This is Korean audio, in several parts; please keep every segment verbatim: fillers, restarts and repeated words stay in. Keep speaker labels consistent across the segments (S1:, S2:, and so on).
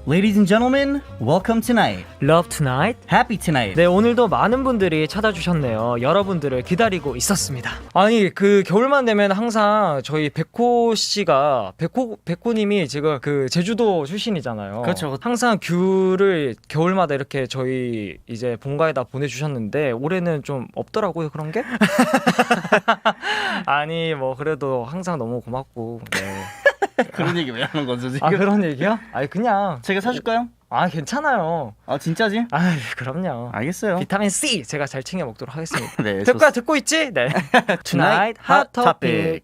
S1: Ladies and gentlemen, welcome tonight.
S2: Love Tonight.
S1: Happy tonight.
S2: 네, 오늘도 많은 분들이 찾아주셨네요. 여러분들을 기다리고 있었습니다. 아니, 그 겨울만 되면 항상 저희 백호 씨가 백호 백호님이 지금 그 제주도 출신이잖아요.
S1: 그렇죠.
S2: 항상 귤을 겨울마다 이렇게 저희 이제 본가에다 보내주셨는데 올해는 좀 없더라고요, 그런 게. 아니, 뭐 그래도 항상 너무 고맙고. 네.
S1: 그런 얘기 왜 하는 거죠 지금?
S2: 아, 그런 얘기야? 아니, 그냥.
S1: 제가 사줄까요?
S2: 아, 괜찮아요.
S1: 아 진짜지?
S2: 아, 그럼요.
S1: 알겠어요.
S2: 비타민 C 제가 잘 챙겨 먹도록 하겠습니다.
S1: 네.
S2: 듣고 듣고 있지? 네. Tonight Hot Topic.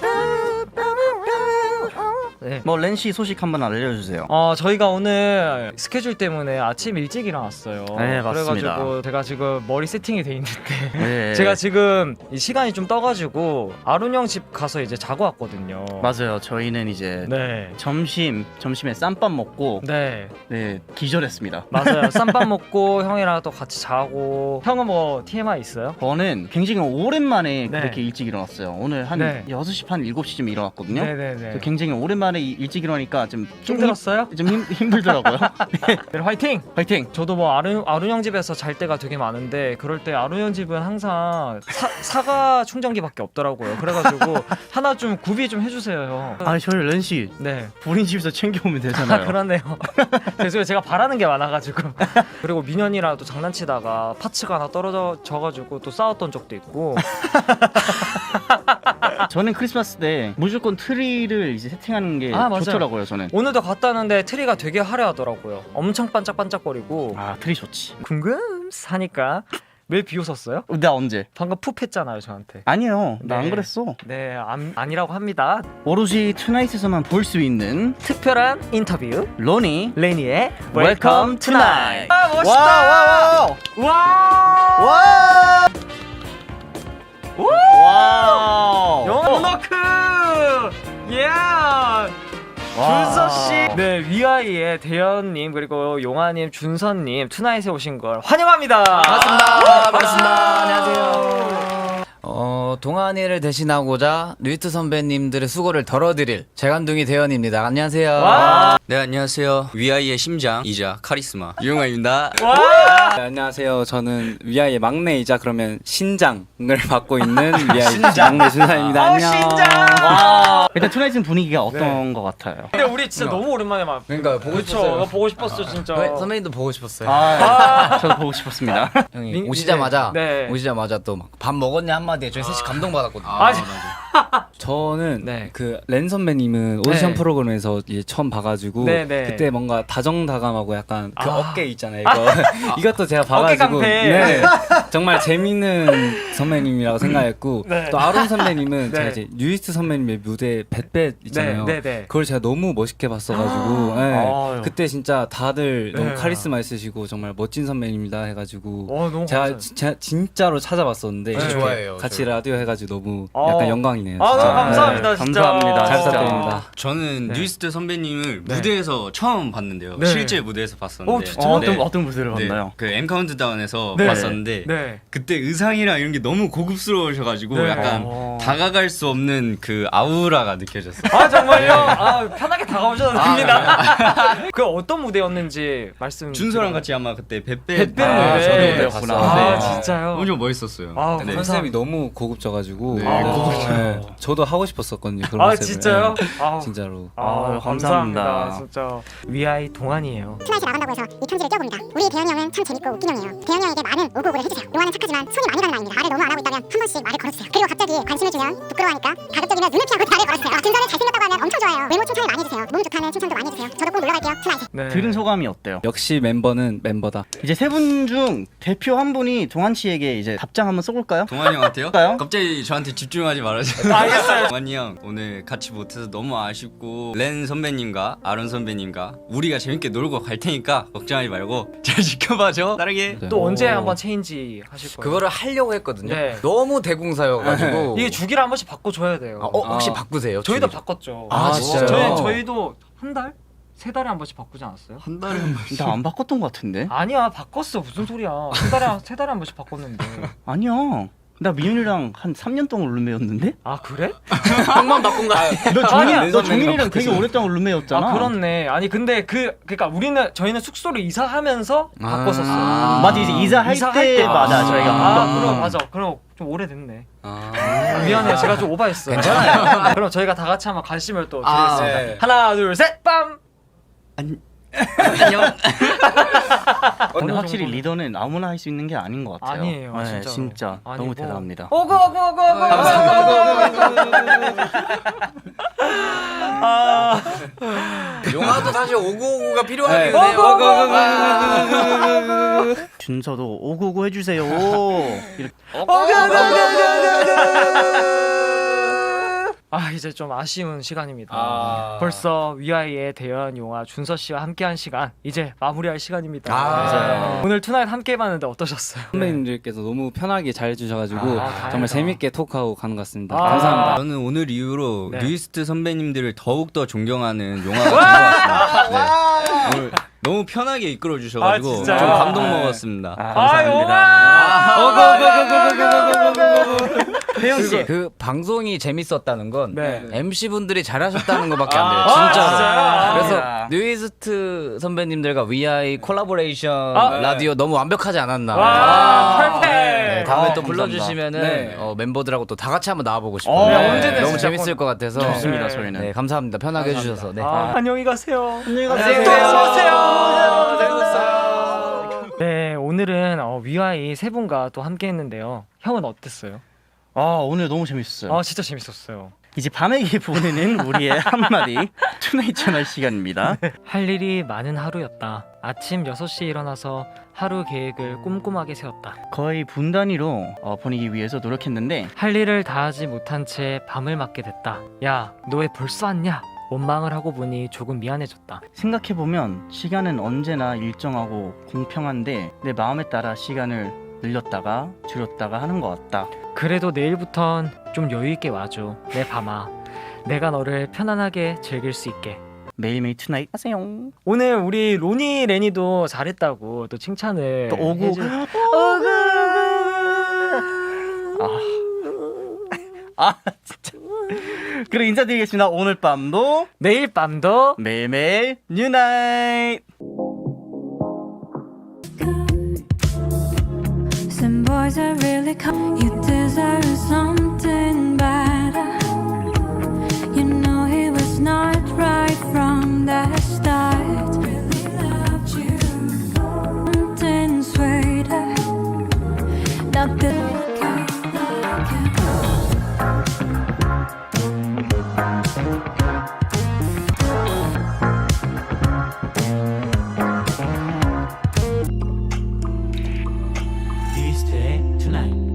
S2: 네.
S1: 뭐 렌씨 소식 한번 알려주세요.
S2: 어, 저희가 오늘 스케줄 때문에 아침 일찍 일어났어요.
S1: 네, 맞습니다.
S2: 그래가지고 제가 지금 머리 세팅이 돼 있는데
S1: 네.
S2: 제가 지금 이 시간이 좀 떠가지고 아룬 형 집 가서 이제 자고 왔거든요.
S1: 맞아요. 저희는 이제
S2: 네.
S1: 점심 점심에 쌈밥 먹고
S2: 네.
S1: 네 기절했습니다.
S2: 맞아요. 쌈밥 먹고 형이랑 또 같이 자고. 형은 뭐 티엠아이 있어요?
S1: 저는 굉장히 오랜만에
S2: 네.
S1: 그렇게 일찍 일어났어요. 오늘 한
S2: 네.
S1: 여섯 시 반 일곱 시쯤 일어났거든요.
S2: 네네네.
S1: 그래서 굉장히 오랜만에 이- 일찍 일어나니까 좀
S2: 힘들었어요?
S1: 좀 힘, 힘들더라고요. 네.
S2: 네, 화이팅!
S1: 화이팅!
S2: 저도 뭐 아룬, 아룬 형 집에서 잘 때가 되게 많은데 그럴 때 아룬 형 집은 항상 사, 사과 충전기밖에 없더라고요. 그래가지고 하나 좀 구비 좀 해주세요, 형.
S1: 아 저희 렌씨
S2: 네.
S1: 본인 집에서 챙겨오면
S2: 아,
S1: 되잖아요.
S2: 그러네요. 죄송해요. 제가 바라는 게 많아가지고. 그리고 민현이랑 또 장난치다가 파츠가 하나 떨어져가지고 또 싸웠던 적도 있고.
S1: 저는 크리스마스 때 무조건 트리를 이제 세팅하는 게
S2: 아, 맞아요.
S1: 좋더라고요. 저는.
S2: 오늘도 갔다 왔는데 트리가 되게 화려하더라고요. 엄청 반짝반짝거리고.
S1: 아 트리 좋지.
S2: 궁금하니까. 매일 비웃었어요?
S1: 나 언제?
S2: 방금 푹 했잖아요, 저한테.
S1: 아니요, 나 안
S2: 네.
S1: 그랬어.
S2: 네, 안, 아니라고 합니다.
S1: 오로지 투나잇에서만 볼 수 있는
S2: 특별한 인터뷰.
S1: 로니
S2: 레니의
S1: Welcome Tonight.
S2: 아, 멋있다.
S1: 와와와
S2: 와.
S1: 와. 와.
S2: 영어노크. 예. 준서 씨. 네, 위아이의 대현님 그리고 용아님, 준서님 투나잇에 오신 걸 환영합니다.
S3: 반갑습니다. 반갑습니다. 안녕하세요. 어, 동안이를 대신하고자 류이트 선배님들의 수고를 덜어드릴 재간둥이 대현입니다. 안녕하세요.
S2: 와.
S4: 네, 안녕하세요. 위아이의 심장이자 카리스마 유용아입니다.
S2: 와.
S5: 네, 안녕하세요. 저는 위아이의 막내이자 그러면 신장을 맡고 있는 위아이 막내 준사입니다.
S2: 어,
S5: 안녕.
S2: 신장.
S1: 와. 일단 투나잇은 분위기가 어떤
S2: 네.
S1: 것 같아요?
S2: 근데 우리 진짜 너무 오랜만에 막.
S3: 그러니까 보고
S2: 그쵸.
S3: 싶었어요.
S2: 나 보고 싶었어, 진짜.
S3: 네, 선배님도 보고 싶었어요.
S1: 아, 저도 보고 싶었습니다.
S3: 형이
S2: 민-
S3: 오시자마자
S2: 네.
S3: 오시자마자 또 막 밥 먹었냐 한마디에 저희 셋이 감동받았거든요.
S2: 아,
S5: 저는
S2: 네.
S5: 그 렌 선배님은 오디션
S2: 네.
S5: 프로그램에서 이제 처음 봐가지고
S2: 네, 네.
S5: 그때 뭔가 다정다감하고 약간 그
S2: 아.
S5: 어깨 있잖아요. 이거 이것도 제가 봐가지고
S2: 깡패.
S5: 네, 정말 재밌는 선배님이라고 생각했고
S2: 네.
S5: 또 아론 선배님은
S2: 네.
S5: 제가 이제 뉴이스트 선배님의 무대 뱃뱃 있잖아요.
S2: 네, 네, 네.
S5: 그걸 제가 너무 멋있게 봤어가지고 네.
S2: 아유.
S5: 그때 진짜 다들
S2: 네.
S5: 너무 카리스마 있으시고 정말 멋진 선배님이다 해가지고
S2: 어, 너무
S5: 제가
S2: 감사해요.
S5: 지- 제가 진짜로 찾아봤었는데
S2: 네.
S5: 이렇게
S3: 좋아해요,
S5: 같이
S3: 저도.
S5: 라디오 해가지고 너무
S2: 어.
S5: 약간 영광이네요.
S2: 아,
S5: 진짜.
S2: 너무 감사합니다,
S1: 네,
S2: 진짜.
S1: 감사합니다,
S5: 잘
S1: 진짜.
S5: 부탁드립니다.
S4: 저는
S2: 네.
S4: 뉴이스트 선배님을
S2: 네.
S4: 무대에서 처음 봤는데요.
S2: 네.
S4: 실제 무대에서 봤었는데.
S2: 어, 진짜?
S1: 어떤
S4: 네.
S1: 어떤 무대를
S4: 네.
S1: 봤나요?
S4: 그 M 카운트다운에서
S2: 네.
S4: 봤었는데
S2: 네.
S4: 그때 의상이랑 이런 게 너무 고급스러우셔가지고
S2: 네.
S4: 약간
S2: 어.
S4: 다가갈 수 없는 그 아우라가 느껴졌어요.
S2: 아, 정말요? 아, 편하게 다가오셔도 됩니다. 그 어떤 무대였는지 말씀.
S4: 준서랑 같이 아마 그때 뱃뱃
S2: 뱃뱃
S4: 아,
S2: 무대.
S4: 저도
S1: 무대였구나.
S4: 봤었는데
S2: 아,
S1: 네.
S2: 진짜요?
S4: 엄청 멋있었어요.
S2: 아,
S4: 네.
S5: 컨셉이 너무 고급져가지고
S4: 네.
S5: 네.
S2: 아, 고급져.
S5: 네. 저도 하고 싶었었거든요. 그런
S2: 아,
S5: 컨셉을.
S2: 진짜요?
S5: 네.
S2: 아,
S5: 진짜로.
S2: 아,
S1: 아유,
S2: 감사합니다.
S1: 감사합니다.
S2: 진짜 위아이 동안이에요.
S6: 투나잇에 나간다고 해서 이 편지를 띄워봅니다. 우리 대현이 형은 참 재밌고 웃긴 형이에요. 대현이 형에게 많은 오고오고를 해주세요. 용화는 착하지만 손이 많이 가는 아입니다. 말을 너무 안 하고 있다면 한 번씩 말을 걸어주세요. 그리고 갑자기 관심을 주면 부끄러워하니까 가급적이면 눈을 피하고 말을 걸어주세요. 아, 준서는 잘생겼다고 하면 엄청 좋아요. 외모 칭찬을 많이 해주세요. 몸 좋다는 칭찬도 많이 해주세요. 저도 꼭 놀러갈게요. 투나잇에.
S2: 네.
S1: 들은 소감이 어때요?
S5: 역시 멤버는 멤버다.
S1: 이제 세 분 중 대표 한 분이 동한 씨에게 이제 답장 한번 써볼까요?
S4: 동환이 형한테요?
S1: 할까요?
S4: 갑자기 저한테 집중하지 말아주세요.
S2: 알겠어요.
S4: 동환이 형 오늘 같이 못해서 너무 아쉽고 렌 선배님과 아론 선배님과 우리가 재밌게 놀고 갈 테니까 걱정하지 말고 잘 지켜봐줘. 따르게.
S5: 네.
S2: 또 언제
S5: 오.
S2: 한번 체인지 하실 거예요?
S3: 그거를 하려고 했거든요.
S2: 네.
S3: 너무 대공사여가지고.
S2: 이게 주기를 한 번씩 바꿔줘야 돼요.
S3: 아, 어, 혹시
S5: 아.
S3: 바꾸세요?
S2: 저희도
S3: 주기?
S2: 바꿨죠.
S3: 아, 진짜요?
S2: 저희 저희도 한 달? 세 달에 한 번씩 바꾸지 않았어요?
S4: 한 달에 한 번씩.
S1: 나 안 바꿨던 것 같은데?
S2: 아니야, 바꿨어. 무슨 소리야. 한 달에 한- 세 달에 한 번씩 바꿨는데.
S1: 아니야. 나 미윤이랑 한 삼 년 동안 룸메였는데?
S2: 아 그래?
S3: 형만 바꾼 거 아니야?
S1: 너
S2: 아니야.
S1: 종민, 너 종민이랑 되게 오랫동안 룸메였잖아.
S2: 아 그렇네. 아니 근데 그 그러니까 우리는 저희는 숙소를 이사하면서
S3: 아.
S2: 바꿨었어요.
S1: 아, 맞아 이제 이사할
S2: 이사할
S1: 때
S2: 때.
S1: 맞아
S2: 아,
S1: 저희가
S2: 아
S1: 바꿨던
S2: 그럼
S1: 거.
S2: 맞아. 그럼 좀 오래됐네.
S5: 아.
S2: 미안해요. 제가 좀 오바했어요. 괜찮아요. 그럼 저희가 다 같이 한번 관심을 또
S3: 아,
S2: 드리겠습니다.
S3: 네.
S2: 하나 둘 셋 빰.
S4: 안녕.
S1: 근데 확실히 리더는 아무나 할 수 있는 게 아닌 것 같아요.
S2: 아니에요,
S1: 네,
S2: 진짜로.
S1: 진짜
S2: 아니,
S1: 너무
S2: 뭐.
S1: 대단합니다.
S2: 오고 오고 오고 오고. 아.
S3: 용화도 사실 오구오구가 필요하긴
S5: 네.
S3: 해요.
S1: 준서도 오구오구 해주세요. 이렇게.
S2: 아 이제 좀 아쉬운 시간입니다.
S3: 아.
S2: 벌써 위아이의 대현 용화 준서 씨와 함께한 시간 이제 마무리할 시간입니다.
S3: 아.
S1: 맞아요.
S2: 오늘 투나잇 함께해봤는데 어떠셨어요?
S5: 선배님들께서 너무 편하게 잘 해주셔가지고
S2: 아, 다행이다.
S5: 정말 재밌게 토크하고 가는 것 같습니다.
S2: 아.
S5: 감사합니다.
S4: 저는 오늘 이후로
S2: 네.
S4: 뉴이스트 선배님들을 더욱 더 존경하는 용화가 된 것 같습니다. 네. 오늘 너무 편하게 이끌어
S2: 아,
S4: 주셔가지고 좀
S2: 진짜요?
S4: 감동
S1: 아,
S4: 먹었습니다.
S1: 아,
S2: 아
S1: 감사합니다.
S2: 태현 씨.
S3: 그 방송이 재밌었다는 건
S2: 네.
S3: 엠씨 분들이 잘하셨다는 것밖에 안 돼요.
S2: 아,
S3: 진짜로.
S2: 진짜요?
S3: 그래서
S1: 아.
S3: 뉴이스트 선배님들과 위아이 콜라보레이션
S2: 아,
S3: 라디오 너무 완벽하지 않았나.
S2: 와, 퍼펙트.
S3: 네, 다음에
S1: 아,
S3: 또
S1: 감사합니다.
S3: 불러주시면은
S5: 네.
S3: 어, 멤버들하고 또 다 같이 한번 나와보고 싶어요.
S1: 어,
S3: 네,
S2: 언제든
S3: 너무
S2: 진짜
S3: 재밌을 것 같아서.
S1: 좋습니다
S2: 네.
S1: 저희는.
S3: 네, 감사합니다. 편하게 해주셔서. 네.
S2: 아, 안녕히 가세요.
S1: 안녕히
S2: 가세요.
S1: 가세요.
S2: 네, 오늘은 어, 위아이 세 분과 또 함께했는데요. 형은 어땠어요?
S1: 아 오늘 너무 재밌었어요.
S2: 아 진짜 재밌었어요.
S1: 이제 밤에게 보내는 우리의 한마디 투나잇 채널 시간입니다.
S2: 할 일이 많은 하루였다. 아침 여섯 시에 일어나서 하루 계획을 꼼꼼하게 세웠다.
S1: 거의 분 단위로 어, 보내기 위해서 노력했는데
S2: 할 일을 다하지 못한 채 밤을 맞게 됐다. 야, 너 왜 벌써 왔냐? 원망을 하고 보니 조금 미안해졌다.
S1: 생각해보면 시간은 언제나 일정하고 공평한데 내 마음에 따라 시간을 늘렸다가 줄였다가 하는 것 같다.
S2: 그래도 내일부턴 좀 여유 있게 와줘. 내 밤아. 내가 너를 편안하게 즐길 수 있게.
S1: 매일매일 투나잇 하세요.
S2: 오늘 우리 로니 레니도 잘했다고 또 칭찬을
S1: 또 오구
S2: 해주...
S1: 아, 아 진짜. 그럼 인사드리겠습니다. 오늘 밤도
S2: 내일 밤도
S1: 매일매일 뉴나잇.
S7: Some boys are really cold. You deserve something better. You know he was not right from the start. Really loved you. Something sweeter. Not the kind like you.
S1: 뉴이스트의 투나잇.